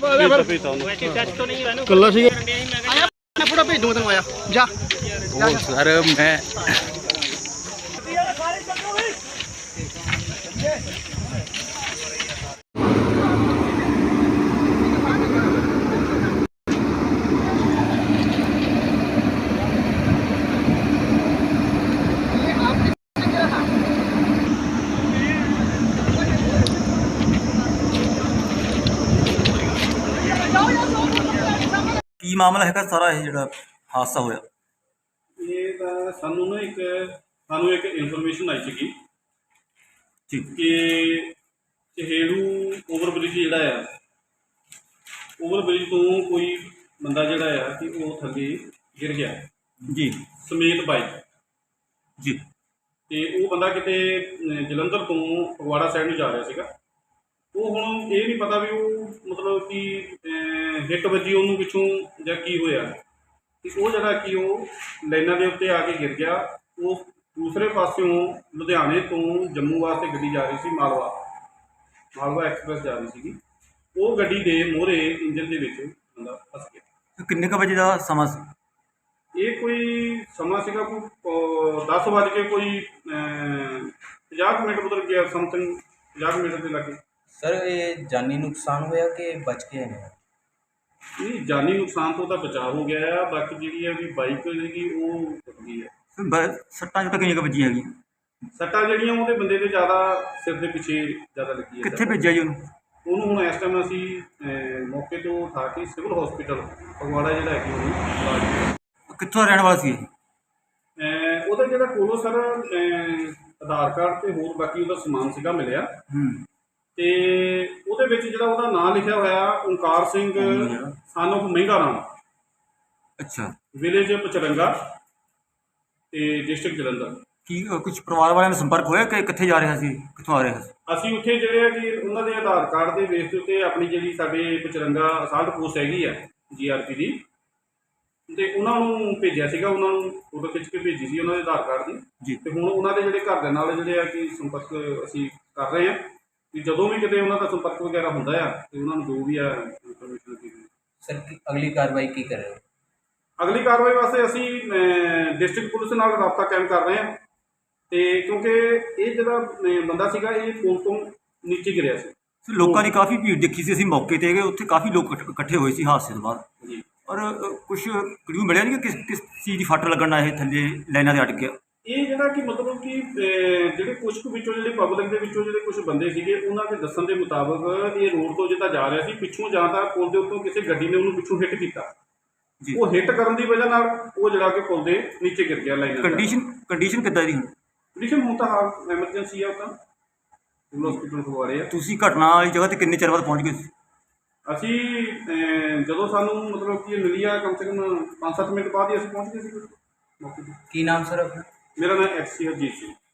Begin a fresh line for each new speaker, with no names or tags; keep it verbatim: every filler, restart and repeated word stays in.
कल्ला सी photo भेज दूंगा तेन आया जा
सर मैं
ਕੀ ਮਾਮਲਾ ਹੈਗਾ ਸਾਰਾ ਇਹ ਜਿਹੜਾ ਹਾਦਸਾ ਹੋਇਆ?
ਇਹ ਤਾਂ ਸਾਨੂੰ ਨਾ ਇੱਕ ਸਾਨੂੰ ਇੱਕ ਇਨਫੋਰਮੇਸ਼ਨ ਆਈ ਸੀਗੀ
ਜੀ
ਕਿ ਚਹੇੜੂ ਓਵਰਬ੍ਰਿਜ ਜਿਹੜਾ ਆ ਓਵਰਬ੍ਰਿਜ ਤੋਂ ਕੋਈ ਬੰਦਾ ਜਿਹੜਾ ਆ ਕਿ ਉਹ ਥੱਲੇ ਗਿਰ ਗਿਆ
ਜੀ
ਸਮੇਤ ਬਾਈਕ
ਜੀ
ਤੇ ਉਹ ਬੰਦਾ ਕਿਤੇ ਜਲੰਧਰ ਤੋਂ ਫਗਵਾੜਾ ਸਾਈਡ ਨੂੰ ਜਾ ਰਿਹਾ ਸੀਗਾ। ਉਹ ਹੁਣ ਇਹ ਨਹੀਂ ਪਤਾ ਵੀ ਉਹ ਮਤਲਬ ਕਿ ਹਿੱਟ ਵੱਜੀ ਉਹਨੂੰ ਪਿੱਛੋਂ ਜਾਂ ਕੀ ਹੋਇਆ ਕਿ ਉਹ ਜਿਹੜਾ ਕਿ ਉਹ ਲਾਈਨਾਂ ਦੇ ਉੱਤੇ ਆ ਕੇ ਗਿਰ ਗਿਆ। ਉਹ ਦੂਸਰੇ ਪਾਸਿਓਂ ਲੁਧਿਆਣੇ ਤੋਂ ਜੰਮੂ ਵਾਸਤੇ ਗੱਡੀ ਜਾ ਰਹੀ ਸੀ, ਮਾਲਵਾ ਮਾਲਵਾ ਐਕਸਪ੍ਰੈਸ ਜਾ ਰਹੀ ਸੀਗੀ। ਉਹ ਗੱਡੀ ਦੇ ਮੋਹਰੇ ਇੰਜਨ ਦੇ ਵਿੱਚ ਬੰਦਾ ਫਸ ਗਿਆ।
ਕਿੰਨੇ ਕੁ ਵਜੇ ਦਾ ਸਮਾਂ ਸੀ?
ਇਹ ਕੋਈ ਸਮਾਂ ਸੀਗਾ ਕੋਈ ਦਸ ਵੱਜ ਕੇ ਕੋਈ ਪੰਜਾਹ ਮਿੰਟ ਗੁਜ਼ਰ ਗਿਆ, ਸਮਥਿੰਗ ਪੰਜਾਹ ਮਿੰਟ ਦੇ ਲੱਗੇ।
सर ये जानी नुकसान होया कि बच गए ने?
नहीं जानी नुकसान तो ਉਹਦਾ ਬਚਾਅ ਹੋ ਗਿਆ ਆ। ਬਾਕੀ ਜਿਹੜੀ ਹੈ ਵੀ ਬਾਈਕ ਜਿਹੜੀ ਉਹ ਟੁੱਟ ਗਈ ਹੈ।
ਸੱਟਾਂ ਜਿੱਦਾਂ ਕਿੰਨੀਆਂ ਕੁ ਵੱਜੀਆਂ ਹੈਗੀਆਂ?
ਸੱਟਾਂ ਜਿਹੜੀਆਂ ਉਹਦੇ ਬੰਦੇ ਦੇ ਜ਼ਿਆਦਾ ਸਿਰ ਦੇ ਪਿੱਛੇ ਜ਼ਿਆਦਾ ਲੱਗੀ ਹੈ।
ਕਿੱਥੇ ਭੇਜਿਆ ਜੀ ਉਹਨੂੰ?
ਉਹਨੂੰ ਹੁਣ ਇਸ ਟਾਈਮ ਅਸੀਂ ਮੌਕੇ ਤੋਂ ਉਠਾ ਕੇ ਸਿਵਲ ਹਸਪੀਟਲ ਫਗਵਾੜਾ ਜਿਹੜਾ ਹੈਗੀ ਉਹਨੂੰ
ਕਿੱਥੋਂ ਦਾ ਰਹਿਣ ਵਾਲਾ ਸੀ?
ਉਹਦਾ ਜਿਹੜਾ ਕੋਲੋਂ ਸਰ ਆਧਾਰ ਕਾਰਡ ਤੇ ਹੋਰ ਬਾਕੀ ਉਹਦਾ ਸਮਾਨ ਸੀਗਾ ਮਿਲਿਆ
ਹੂੰ
ਤੇ ਉਹਦੇ ਵਿੱਚ ਜਿਹੜਾ ਉਹਦਾ ਨਾਮ ਲਿਖਿਆ ਹੋਇਆ ਓਂਕਾਰ ਸਿੰਘ ਸਨ ਆਫ ਮਹਿੰਗਾ ਰਾਮ।
ਅੱਛਾ।
ਵਿਲੇਜ ਪਚਰੰਗਾ ਤੇ ਡਿਸਟ੍ਰਿਕਟ ਜਲੰਧਰ।
ਕੀ ਕੁਝ ਪਰਿਵਾਰ ਵਾਲਿਆਂ ਨਾਲ ਸੰਪਰਕ ਹੋਇਆ ਕਿ ਕਿੱਥੇ ਜਾ ਰਿਹਾ ਸੀ, ਕਿੱਥੋਂ ਆ ਰਿਹਾ ਸੀ?
ਅਸੀਂ ਉੱਥੇ ਜਿਹੜੇ ਆ ਕਿ ਉਹਨਾਂ ਦੇ ਆਧਾਰ ਕਾਰਡ ਦੇ ਬੇਸ ਦੇ ਉੱਤੇ ਆਪਣੀ ਜਿਹੜੀ ਸਾਡੇ ਪਚਰੰਗਾ ਅਸਾਲਟ ਪੋਸਟ ਹੈਗੀ ਆ ਜੀ ਆਰ ਪੀ ਦੀ, ਤੇ ਉਹਨਾਂ ਨੂੰ ਭੇਜਿਆ ਸੀਗਾ। ਉਹਨਾਂ ਨੂੰ ਫੋਟੋ ਖਿੱਚ ਕੇ ਭੇਜੀ ਸੀ ਉਹਨਾਂ ਦੇ ਆਧਾਰ ਕਾਰਡ ਦੀ
ਜੀ।
ਤੇ ਹੁਣ ਉਹਨਾਂ ਦੇ ਜਿਹੜੇ ਘਰ ਦੇ ਨਾਲ ਜਿਹੜੇ ਆ ਕਿ ਸੰਪਰਕ ਅਸੀਂ ਕਰ ਰਹੇ ਹਾਂ ਕਿ ਜਦੋਂ ਵੀ ਕਿਤੇ ਉਹਨਾਂ ਦਾ ਸੰਪਰਕ ਵਗੈਰਾ ਹੁੰਦਾ ਆ ਤੇ ਉਹਨਾਂ ਨੂੰ ਜੋ ਵੀ ਆ ਇਨਫੋਰਮੇਸ਼ਨ ਦਿੱਤੀ।
सर अगली कार्रवाई की कर रहे हो?
ਅਗਲੀ ਕਾਰਵਾਈ ਵਾਸਤੇ ਅਸੀਂ ਡਿਸਟ੍ਰਿਕਟ ਪੁਲਿਸ ਨਾਲ ਰਾਬਤਾ ਕਾਇਮ ਕਰ ਰਹੇ ਹਾਂ ਤੇ ਕਿਉਂਕਿ ਇਹ ਜਿਹੜਾ ਬੰਦਾ ਸੀਗਾ ਇਹ ਪੁਲ ਤੋਂ ਨੀਚੇ ਗਿਰਿਆ ਸੀ।
ਲੋਕਾਂ ਦੀ ਕਾਫੀ ਭੀੜ ਦੇਖੀ ਸੀ ਅਸੀਂ ਮੌਕੇ ਤੇ ਗਏ, ਉੱਥੇ ਕਾਫੀ ਲੋਕ ਇਕੱਠੇ ਹੋਏ ਸੀ ਹਾਦਸੇ ਤੋਂ ਬਾਅਦ
ਜੀ।
ਔਰ ਕੁਝ ਕਲੂ ਮਿਲਿਆ ਨਹੀਂ ਕਿ ਕਿਸ ਕਿਸ ਚੀਜ਼ ਦੀ ਫੱਟ ਲੱਗਣ ਨਾਲ ਇਹ ਥੱਲੇ ਲਾਈਨਾਂ ਤੇ ਅਟ ਗਿਆ?
ਇਹ ਜਿਹੜਾ ਕਿ ਮਤਲਬ ਕਿ ਜਿਹੜੇ ਕੁਛ ਕੁ ਵਿੱਚੋਂ ਜਿਹੜੇ ਪਬਲਿਕ ਦੇ ਵਿੱਚੋਂ ਜਿਹੜੇ ਕੁਝ ਬੰਦੇ ਸੀਗੇ ਉਹਨਾਂ ਦੇ ਦੱਸਣ ਦੇ ਮੁਤਾਬਕ ਇਹ ਰੋਡ ਤੋਂ ਜਿੱਦਾਂ ਜਾ ਰਿਹਾ ਸੀ, ਪਿੱਛੋਂ ਜਾਂ ਤਾਂ ਪੁਲ ਦੇ ਉੱਤੋਂ ਕਿਸੇ ਗੱਡੀ ਨੇ ਉਹਨੂੰ ਪਿੱਛੋਂ ਹਿੱਟ ਕੀਤਾ ਜੀ। ਉਹ ਹਿੱਟ ਕਰਨ ਦੀ ਵਜ੍ਹਾ ਨਾਲ ਉਹ ਜਿਹੜਾ ਕਿ ਪੁਲ ਦੇ ਨੀਚੇ ਗਿਰ ਗਿਆ ਲਾਈਨਾਂ।
ਕੰਡੀਸ਼ਨ ਕੰਡੀਸ਼ਨ ਕਿੱਦਾਂ ਦੀ ਹੁਣ?
ਕੰਡੀਸ਼ਨ ਹੁਣ ਤਾਂ ਹਾਲ ਐਮਰਜੈਂਸੀ ਆ, ਉਹ ਤਾਂ ਸਿਵਲ ਹਸਪੀਟਲ ਫਗਵਾੜੇ ਆ।
ਤੁਸੀਂ ਘਟਨਾ ਵਾਲੀ ਜਗ੍ਹਾ ਤੇ ਕਿੰਨੇ ਚਿਰ ਬਾਅਦ ਪਹੁੰਚ ਗਏ ਸੀ?
ਅਸੀਂ ਜਦੋਂ ਸਾਨੂੰ ਮਤਲਬ ਕਿ ਇਹ ਮਿਲੀ ਆ ਕਮ ਸੇ ਕਮ ਪੰਜ ਸੱਤ ਮਿੰਟ ਬਾਅਦ ਹੀ ਅਸੀਂ ਪਹੁੰਚ ਗਏ ਸੀ ਮੌਕੇ 'ਤੇ।
की नाम सर अपना?
मेरा नाम एक्स सी हरजीत सिंह।